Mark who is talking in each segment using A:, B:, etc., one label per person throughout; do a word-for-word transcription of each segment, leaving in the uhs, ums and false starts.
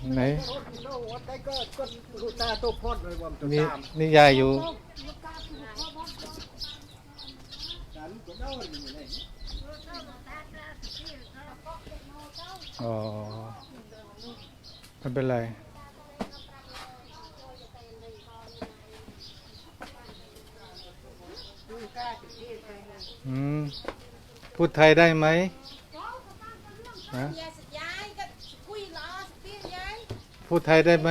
A: ไหนนี่
B: นี่
A: นี่ยายอยู่อ๋อไม่เป็นไรอืมพูดไทยได้ไหมฮะพูดไทยได้ไหม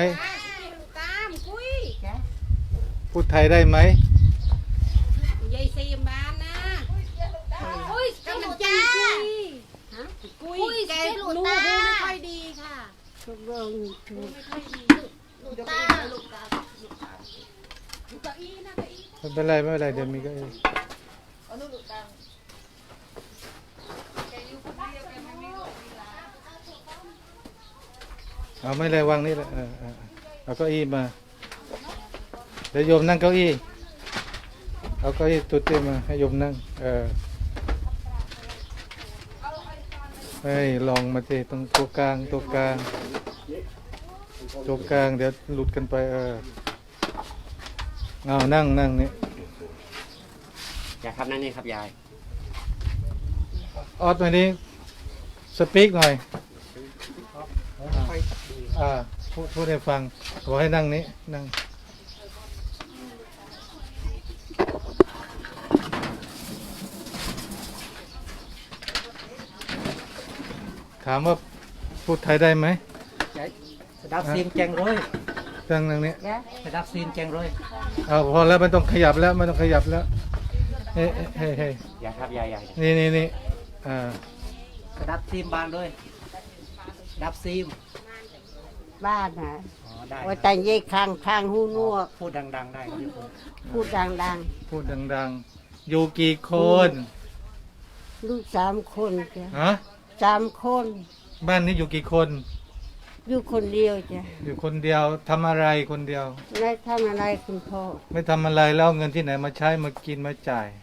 A: พูดไทยได้ไหม
C: ยายซีมบ้านนะคุยกำลังจ้าคุยแกลูกหูไม่ค่อยดีค่ะลูกหูไม่ค่อยดีลูกตาลูกตาลูกตาลูกตาอีนะตาอี
A: ไม่เป็นไรไม่เป็นไรเดี๋ยวมีก็เองเอาไม่เลยวางนี่แหละเออเออเอาเก้าอี้มาเดี๋ยวโยมนั่งเก้าอี้เอาเก้าอี้ตุ๊ดมาให้โยมนั่งเออเฮ้ยลองมาสิตรงตัวกลางตัวกลางตัวกลางเดี๋ยวหลุดกันไปเออเอานั่งนั่งนี่
B: ยายครับนั่นนี่ครับยาย
A: ออดมานี้สปีกหน่อยอ่าพูดพูดให้ฟังขอให้นั่งนี้นั่งถามว่าพูดไทยได้ไหม
B: สดับซีนแจงร้อย
A: นั่งนั่งนี้
B: สดับซีนแจงร้อย
A: เอาพอแล้วไม่ต้องขยับแล้วไม่ต้องขยับแล้วเฮ้ยเฮ้ยเฮ้ย
B: ยายครับยายยาย
A: นี่นี่นี่อ่า
B: สดับซีมบานด้วยดับซีม
C: บ้านนะ
B: ได้
C: ว่าแต่ยี่ข้างข้างหูนัว
B: พูดดังๆได้
C: พูดดัง
A: ๆพูดดังๆอยู่กี่คน
C: ลูกสามคนจ้ะ
A: ฮะ
C: สามคน
A: บ้านนี้อยู่กี่คน
C: อยู่คนเดียวจ้ะ
A: อยู่คนเดียวทำอะไรคนเดียว
C: ไม่ทำอะไรคุณพ่อ
A: ไม่ทำอะไรแล้วเงินที่ไหนมาใช้มากินมาจ่าย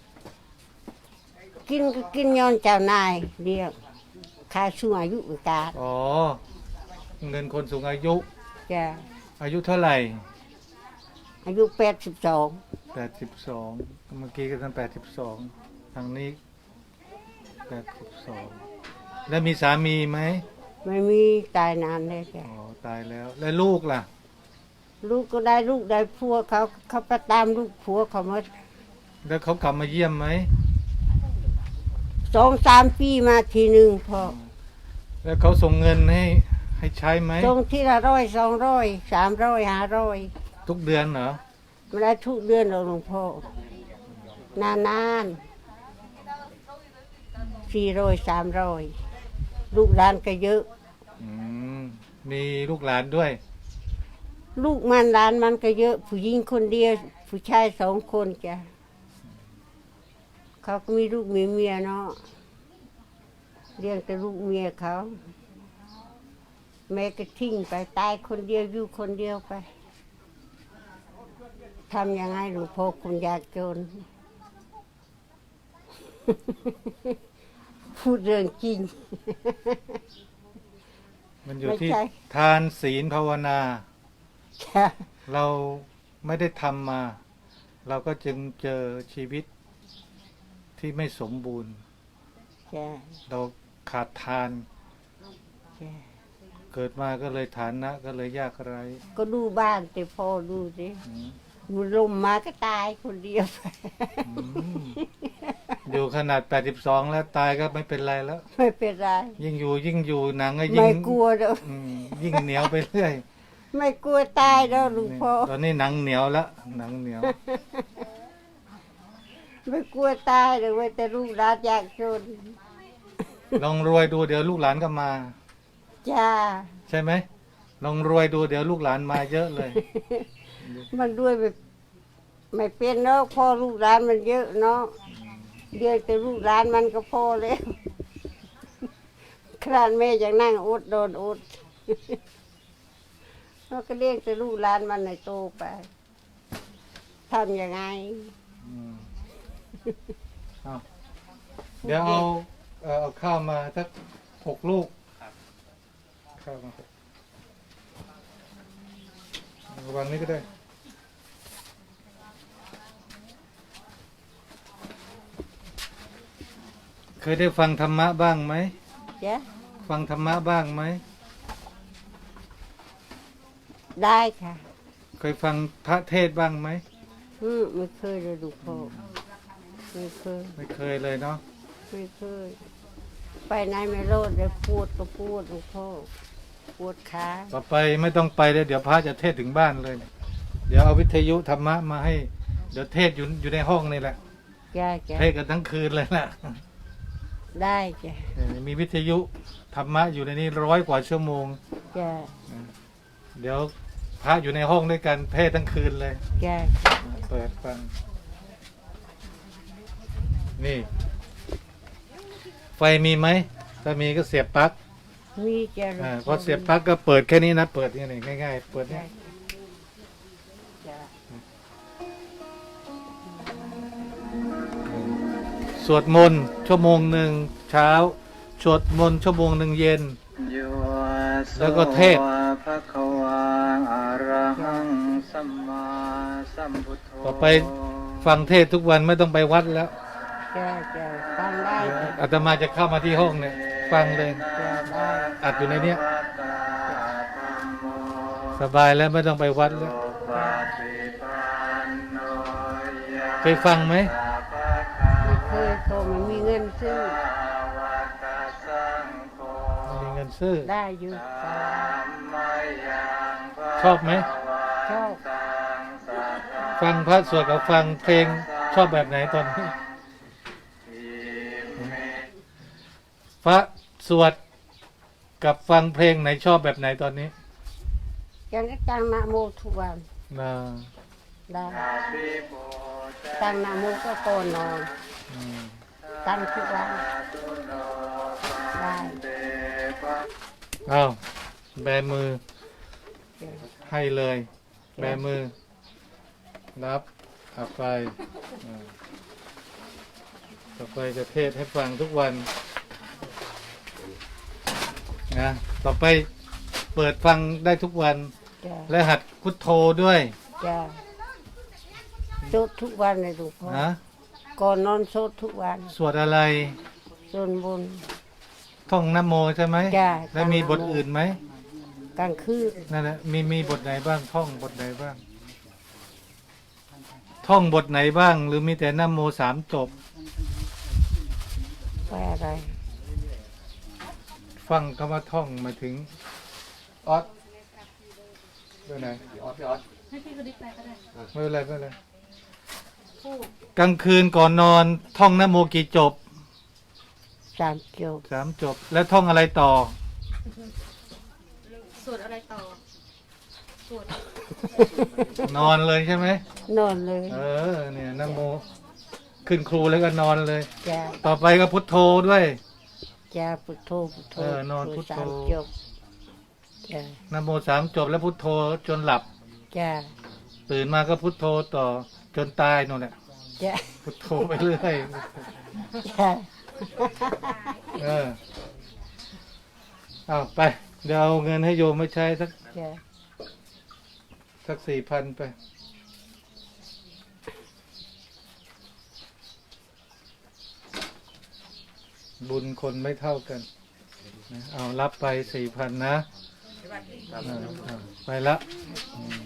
C: กินก็กินย้อนเจ้านายเรียกค่าสูงอายุกา
A: อ๋อเงินคนสูงอายุ
C: จ้ะ
A: อายุเท่าไหร่
C: อายุแปดสิบสอง
A: แปดสิบสองเมื่อกี้ก็ตั้งแปดสิบสองทางนี้แปดสิบสองแล้วมีสามีไหม
C: ไม่มีตายนานเลยจ้ะ
A: อ๋อตายแล้วแล้วลูกล่ะ
C: ลูกก็ได้ลูกได้ผัวเขาเขาไปตามลูกผัวเขามา
A: แล้วเขากลับมาเยี่ยมไหม
C: สองสามปีมาทีหนึ่งพอ
A: แล้วเขาส่งเงินให้ให้ใช้ไหม
C: ส่งทีละร้อยสองร้อยสามร้อยห้าร้อย
A: ทุกเดือนเหรอ
C: ไม่ได้ทุกเดือนหรอกหลวงพ่อนานนานสี่ร้อยสามร้อยลูกหลานก็เยอะ
A: อืมมีลูกหลานด้วย
C: ลูกมันหลานมันก็เยอะผู้หญิงคนเดียวผู้ชายสองคนจ้ะเขาก็มีลูกมีเมียเนาะเลี้ยงแต่ลูกเมียเขาแม่ก็ทิ้งไปตายคนเดียวอยู่คนเดียวไปทำยังไงหลวงพ่อคุณยากจน พูดเรื่องจริง
A: มันอยู่ที่ทานศีลภาวนาเราไม่ได้ทำมา เราก็จึงเจอชีวิตที่ไม่สมบูรณ์เราขาดทานเกิดมาก็เลยฐานะก็เลยยากไร้
C: ก็ดูบ้านแต่พอดูสิมันลมมาก็ตายคนเดียว
A: อยู่ขนาดแปดสิบสองแล้วตายก็ไม่เป็นไรแล้ว
C: ไม่เป็นไร
A: ยิ่งอยู่ยิ่งอยู่หนังก็ยิ่ง
C: ไม่กลัวแล้ว
A: ยิ่งเหนียวไปเรื่อย
C: ไม่กลัวตายแล้วหลวงพ่อ
A: ตอนนี้หนังเหนียวแล้วหนังเหนียว
C: ไม่กลัวตายเลยว่าแต่ลูกหลานยากจน
A: ลองรวยดูเดี๋ยวลูกหลานก็มา
C: จ้า
A: ใช่ไหมลองรวยดูเดี๋ยวลูกหลานมาเยอะเลย
C: มันด้วยแบบไม่เป็นเนาะพ่อลูกหลานมันเยอะเนาะเดี๋ยวแต่ลูกหลานมันก็พอแล้วขนาดแม่ยังนั่งอดโดนอดเราก็เลี้ยงแต่ลูกหลานมันในโตไปทำยังไง
A: เดี๋ยวเอาเอาข้าวมาสักหกลูกข้าวมาวางนี้ก็ได้เคยได้ฟังธรรมะบ้างไหม
C: จ้ะ
A: ฟังธรรมะบ้างไหม
C: ได้ค่ะ
A: เคยฟังพระเทศน์บ้างไหม
C: อืมไม่เคยเลยลูกพ่อไม่เคย
A: ไม่เคยเลยเนาะ
C: ไม่เคย ไปไหนไม่รอดเลยปวดก็ปวดลูกพ่อปวดขา
A: ต่อไปไม่ต้องไปเลยเดี๋ยวพระจะเทศน์ถึงบ้านเลย เดี๋ยวเอาวิทยุธรรมะมาให้ เดี๋ยวเทศน์อยู่อยู่ในห้องนี่แหละ
C: จ้ะจ้ะ
A: เทศน์กันทั้งคืนเลยนะ
C: ได้จ้ะ
A: เออมีวิทยุธรรมะอยู่ในนี้ร้อยกว่าชั่วโมง
C: จ้ะ
A: เดี๋ยวพระอยู่ในห้องด้วยกันเทศน์ทั้งคืนเลย
C: จ้ะ
A: เปิดฟัง นี่ ไฟมีไหม ถ้ามีก็เสียบปลั๊ก
C: มีจ้ะลูก
A: อ่าพ
C: พ่
A: อเสียบปลั๊กก็เปิดแค่นี้นะ เปิดนี่นี่ง่ายๆ เปิด
C: จ้ะ
A: นี่
C: จ้ะ
A: สวดมนต์ชั่วโมงหนึ่งเช้า สวดมนต์ชั่วโมงหนึ่งเย็น แล้วก็เทศน์ ต่อไปฟังเทศน์ทุกวันไม่ต้องไปวัดแล้ว
C: จ้ะจ้ะฟังได้จ้ะ
A: อาตมาจะเข้ามาที่ห้องเนี่ย ฟังเลย
C: จ้ะได้
A: อัดอยู่ในเนี้ย สบายแล้วไม่ต้องไปวัดแล้ว เคยฟังไหม
C: ไม่เคยโตไม่มีเงินซื้อ
A: มีเงินซื้อ
C: ได้อยู่ฟัง
A: ชอบไหม
C: ชอบ
A: ฟังพระสวดกับฟังเพลงชอบแบบไหนตอนนี้ พระสวดกับฟังเพลงไหนชอบแบบไหนตอนนี้
C: ยังก็ตั้งนะโมทุกวัน
A: น่า
C: ได้ตั้งนะโมก็ก่อนนอน
A: อืม
C: ตั้งทุกวันได้
A: อ้าวแบมือให้เลย แบมือ รับเอาไปอ่าต่อไปจะเทศน์ให้ฟังทุกวันนะต่อไปเปิดฟังได้ทุกวัน
C: จ้ะ
A: และหัดพุทโธด้วย
C: จ้ะโสดทุกวันเลยลูกพ่อ
A: นะ
C: ก่อนนอนโสดทุกวัน
A: สวดอะไร
C: ส่วนบน
A: ท่องนะโมใช่ไหม
C: จ้ะ
A: แล้วมีบทอื่นไหม
C: กลางคืน
A: นั่นแหละมีมีบทไหนบ้าง ท่องบทไหนบ้าง ท่องบทไหนบ้าง หรือมีแต่นะโมสามจบ
C: ไปอะไร
A: ฟังคำว่าท่องมาถึงออสไปไหน
B: พี่ออสพี่ออส
A: ไม่เป็นไรไม่เป็นไรกลางคืนก่อนนอน ท่องนะโมกี่จบ
C: สามจบ
A: สามจบ แล้วท่องอะไรต่อ
D: สวดอะไรต่อ สวด
A: นอนเลยใช่ไหม
C: นอนเลย
A: เออเนี่ยนะโม ขึ้นครูแล้วก็นอนเลย
C: จ้ะ
A: ต่อไปก็พุทโธด้วย
C: จ้ะพุทโธพุทโธ
A: เออนอนพุทโธ
C: สามจบจ้ะ
A: นะโมสามจบแล้วพุทโธจนหลับ
C: จ้ะ
A: ตื่นมาก็พุทโธต่อจนตายนู่นแหละ
C: จ้ะ
A: พุทโธไปเรื่อย
C: จ้ะ
A: เออเอาไป เดี๋ยวเอาเงินให้โยมไม่ใช้สัก
C: จ้ะ
A: สักสี่พันไป บุญคนไม่เท่ากันนะเอารับไปสี่พันนะเอาเอาไปละอืม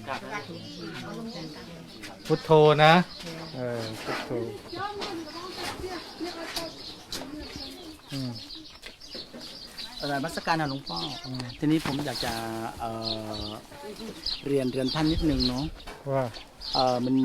A: พุทโธนะเออพุทโธอืม
B: เออมัสการนะหลวงพ่ออทีนี้ผมอยากจะเอ่อเรียนเรียนท่านนิดนึงเนาะ
A: ว่า
B: เออมัน